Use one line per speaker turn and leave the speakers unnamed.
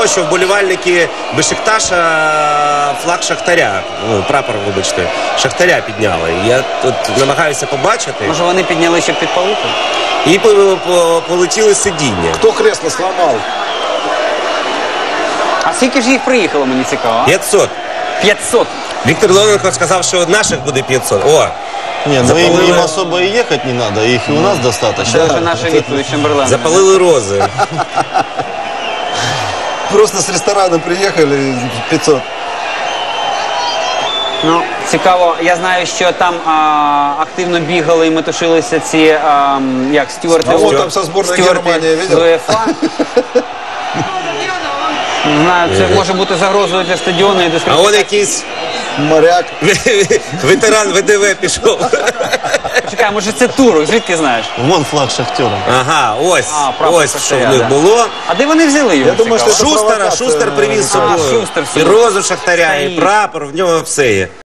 того, що вболівальники Бешикташа флаг Шахтаря, ну, прапор, вибачте, Шахтаря підняли. Я тут намагаюся побачити.
Може вони підняли, щоб підпалити?
І полетіли сидіння.
Хто кресло сломав?
А скільки ж їх приїхало, мені цікаво?
500.
500.
Віктор Леоненко сказав, що наших буде 500. О!
Не, ну им особо и ехать не надо, их и у нас достаточно.
Це вже наша відповідь Чемберлена.
Запалили рози.
Просто с ресторана приехали 500.
Ну, цікаво, я знаю, що там активно бігали і метушилися ці, як, стюарти.
А вот там со сборной Германии, видел?
з УЄФА. Не знаю, це може бути загрозою для стадіону і
А
дискредитації.
он якийсь
Моряк.
ветеран ВДВ пішов.
Чекай, може це Турок, звідки знаєш?
Вон флаг Шахтера.
Ага, ось,
прапор
ось що
Шахтаря,
в них
да.
було.
А де вони взяли його?
Я думаю,
цікаво?
що це
Шустера,
провокація.
Шустер привіз з собою.
Шустер
І
собі.
розу Шахтаря, і
Стоїть.
прапор, в нього все є.